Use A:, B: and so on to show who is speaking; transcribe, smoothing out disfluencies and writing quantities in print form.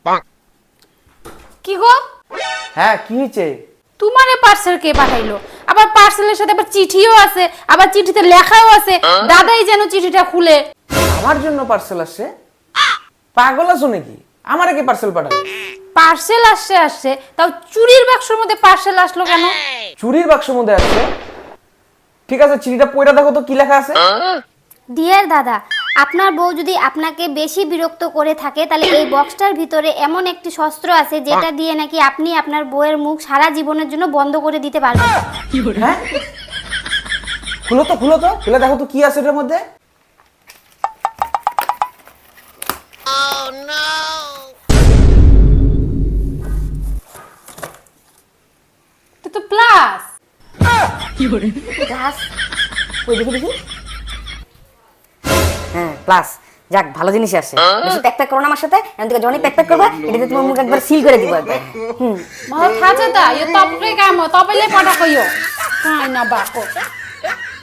A: কি গো?
B: হ্যাঁ কি হয়েছে?
A: তোমারে পার্সেল কে পাঠাইলো? আবার পার্সেলের সাথে আবার চিঠিও আছে, আবার চিঠিতে লেখাও আছে। দাদাই যেন চিঠিটা খুলে।
B: আমার জন্য পার্সেল আসছে? পাগল আছো নাকি? আমারে কে পার্সেল পাঠাবে?
A: পার্সেল আসছে, তাও চুরির বাক্সের মধ্যে পার্সেল আসলো কেন?
B: চুরির বাক্সের মধ্যে আসছে? ঠিক আছে, চিঠিটা পড়ে দেখো তো কি লেখা আছে।
C: ডিয়ার দাদা, আপনার বউ যদি আপনাকে বেশি বিরক্ত করে থাকে তাহলে এই বক্সটার ভিতরে এমন একটি শস্ত্র আছে যেটা দিয়ে নাকি আপনি আপনার বউয়ের মুখ সারা জীবনের জন্য বন্ধ করে দিতে পারবেন।
B: হ্যাঁ, খুলো তো খুলে দেখো তো কি আছে এটার মধ্যে।
A: এটা তো প্লাস।
D: প্লাস? ওই দেখি। হ্যাঁ প্লাস, যাক ভালো জিনিস আসছে। বেশি প্যাক করো না আমার সাথে, আমি তোকে যখনই প্যাক করবা এটাতে তোমার মুখ একবার সিল করে দিব একবার।
A: Mau tha cha da, yo top re ka mo top le pa da ko yo. Kai na ba ko.